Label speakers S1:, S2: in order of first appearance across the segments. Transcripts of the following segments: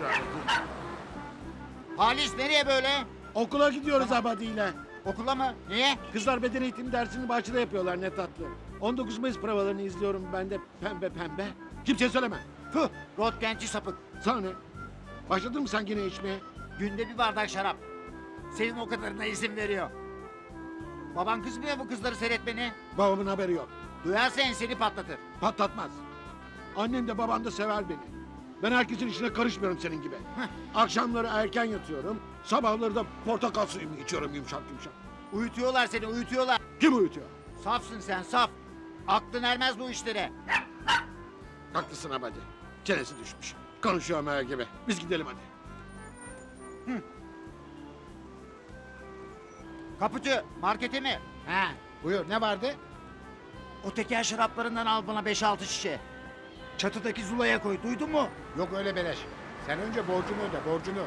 S1: Halis nereye böyle?
S2: Okula gidiyoruz abadiyle.
S1: Okula mı? Niye?
S2: Kızlar beden eğitimi dersini bahçede yapıyorlar ne tatlı. 19 Mayıs provalarını izliyorum ben de pembe pembe. Kimseye söyleme. Fıh.
S1: Rotgenci sapık.
S2: Sana ne? Başladın mı sen yine içmeye?
S1: Günde bir bardak şarap. Senin o kadarına izin veriyor. Baban kızmıyor mu kızları seyretmeni?
S2: Babamın haberi yok.
S1: Duyarsa enseni patlatır.
S2: Patlatmaz. Annem de babam da sever beni. Ben herkesin işine karışmıyorum senin gibi. Akşamları erken yatıyorum. Sabahları da portakal suyumu içiyorum yumuşak yumuşak.
S1: Uyutuyorlar seni, uyutuyorlar.
S2: Kim uyutuyor?
S1: Safsın sen, saf. Aklın ermez bu işlere.
S2: Haklısın abadi. Çenesi düşmüş. Konuşuyor meğer gibi. Biz gidelim hadi.
S1: Kapıcı, markete mi?
S3: Ha, buyur ne vardı?
S1: O teker şaraplarından al bana 5-6 şişe. Çatıdaki zulaya koy, duydun mu?
S3: Yok öyle beleş. Sen önce borcunu öde, borcunu.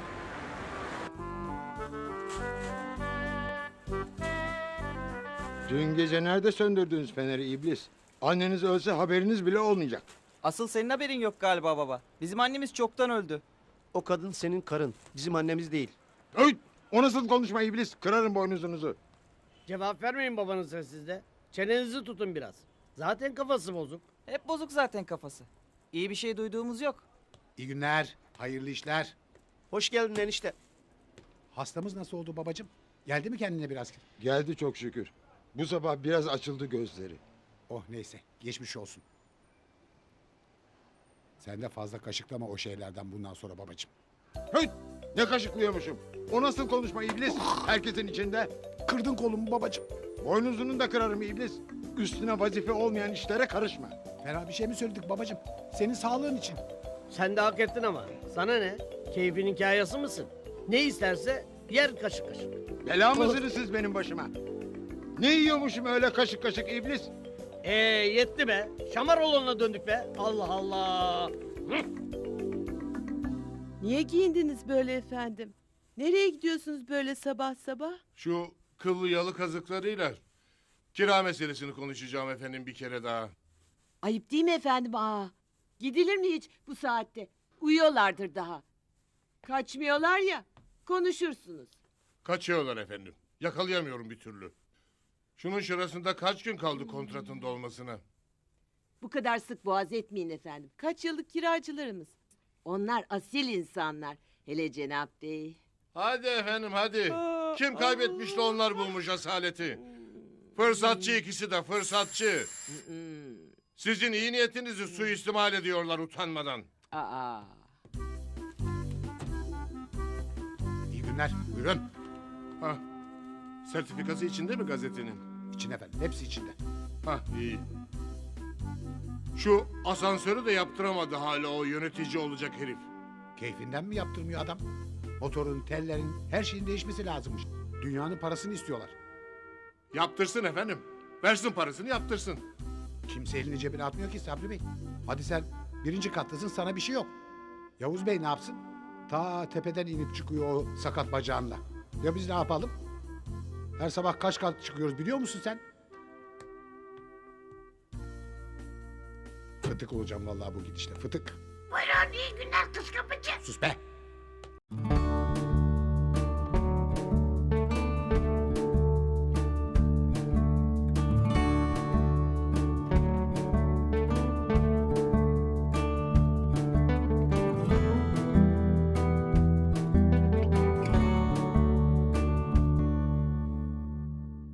S4: Dün gece nerede söndürdünüz feneri iblis? Anneniz ölse haberiniz bile olmayacak.
S5: Asıl senin haberin yok galiba baba. Bizim annemiz çoktan öldü.
S6: O kadın senin karın. Bizim annemiz değil.
S4: Öy! O nasıl konuşma iblis? Kırarım boynuzunuzu.
S7: Cevap vermeyin babanıza siz de. Çenenizi tutun biraz. Zaten kafası bozuk.
S5: Hep bozuk zaten kafası. İyi bir şey duyduğumuz yok.
S3: İyi günler, hayırlı işler.
S6: Hoş geldin enişte.
S3: Hastamız nasıl oldu babacığım? Geldi mi kendine biraz?
S4: Geldi çok şükür. Bu sabah biraz açıldı gözleri.
S3: Oh neyse, geçmiş olsun. Sen de fazla kaşıklama o şeylerden bundan sonra babacığım.
S4: Höy! Ne kaşıklıyormuşum? O nasıl konuşma iblis? Herkesin içinde.
S3: Kırdın kolumu babacığım.
S4: Boynuzunu da kırarım iblis. Üstüne vazife olmayan işlere karışma.
S3: Fena bir şey mi söyledik babacığım? Senin sağlığın için.
S7: Sen de hak ettin ama. Sana ne? Keyfinin kayası mısın? Ne isterse yer kaşık kaşık.
S4: Bela mısınız siz benim başıma? Ne yiyormuşum öyle kaşık kaşık iblis?
S7: Yetti be. Şamaroğlu'na döndük be. Allah Allah.
S8: Niye giyindiniz böyle efendim? Nereye gidiyorsunuz böyle sabah sabah?
S9: Şu kıllı yalı kazıklarıyla kira meselesini konuşacağım efendim bir kere daha.
S8: Ayıp değil mi efendim? Gidilir mi hiç bu saatte? Uyuyorlardır daha. Kaçmıyorlar ya, konuşursunuz.
S9: Kaçıyorlar efendim. Yakalayamıyorum bir türlü. Şunun şurasında kaç gün kaldı kontratın dolmasına?
S8: Bu kadar sık boğaz etmeyin efendim. Kaç yıllık kiracılarımız. Onlar asil insanlar. Hele Cenap Bey.
S9: Hadi efendim hadi. Kim kaybetmiş de onlar bulmuş asaleti. Fırsatçı ikisi de fırsatçı. Sizin iyi niyetinizi suistimal ediyorlar utanmadan.
S8: Aa.
S3: İyi günler, buyurun.
S9: Hah. Sertifikası içinde mi gazetenin?
S3: İçin efendim, hepsi içinde.
S9: Hah iyi. Şu asansörü de yaptıramadı hala o yönetici olacak herif.
S3: Keyfinden mi yaptırmıyor adam? Motorun, tellerin, her şeyin değişmesi lazımmış. Dünyanın parasını istiyorlar.
S9: Yaptırsın efendim. Versin parasını yaptırsın.
S3: Kimse elini cebine atmıyor ki Sabri Bey. Hadi sen birinci kattasın, sana bir şey yok. Yavuz Bey ne yapsın? Ta tepeden inip çıkıyor o sakat bacağınla. Ya biz ne yapalım? Her sabah kaç kat çıkıyoruz biliyor musun sen? Fıtık olacağım vallahi bu gidişle, fıtık.
S10: Buyurun iyi günler kız kapıcı.
S3: Sus be!